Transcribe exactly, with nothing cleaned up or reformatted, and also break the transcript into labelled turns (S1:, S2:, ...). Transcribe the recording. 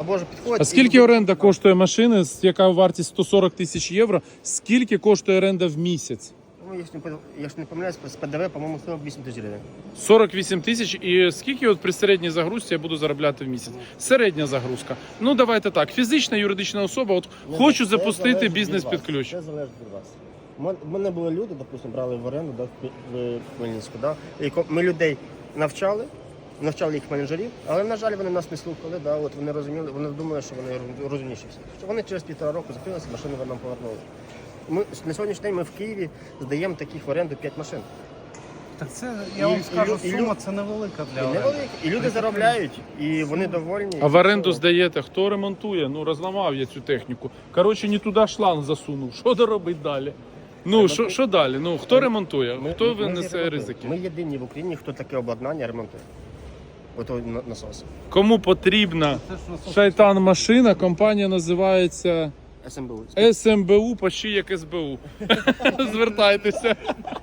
S1: Боже, підходять.
S2: А скільки оренда коштує машини, яка вартість сто сорок тисяч євро? Скільки коштує оренда в місяць?
S1: Ну, якщо не, якщо не помиляюсь, з ПДВ, по-моєму, сорок вісім тисяч гривень.
S2: сорок вісім тисяч. І скільки от при середній загрузці я буду заробляти в місяць? Середня загрузка. Ну, давайте так. Фізична, юридична особа. От
S1: Ну,
S2: хочу
S1: це
S2: запустити
S1: залежить
S2: бізнес
S1: від
S2: під
S1: вас.
S2: ключ.
S1: Це залежить від вас. У мен- У мене були люди, допустимо, брали в оренду, да, в Хмі- в Хмельницьку. Да, і ко- ми людей навчали, навчали їх менеджерів, але, на жаль, вони нас не слухали. Да, от вони розуміли, вони думали, що вони роз- розумніші всі. Що вони через півтора року закрилися, машини нам повернули. Ми, на сьогоднішній день ми в Києві здаємо таких в оренду п'ять машин.
S3: Так це,
S1: І-
S3: я вам
S1: і
S3: скажу,
S1: лю- і
S3: сума
S1: лю-
S3: це невелика для
S1: І,
S3: оренди.
S1: невеликі. І люди заробляють, і вони довольні.
S2: А в оренду здаєте, хто ремонтує? Ну, розламав я цю техніку. Коротше, не туди шланг засунув. Що доробить далі? Ну, що, що далі? Ну, хто ремонтує?
S1: Ми-
S2: Хто
S1: ми- ми
S2: винесе
S1: ремонтуємо.
S2: ризики?
S1: Ми єдині в Україні, хто таке обладнання ремонтує. Ото на- насос.
S2: Кому потрібна
S3: Це ж насос-
S2: шайтан-машина, компанія називається
S1: СМБУ.
S2: ес ем бе у, почти як ес бе у. Звертайтеся.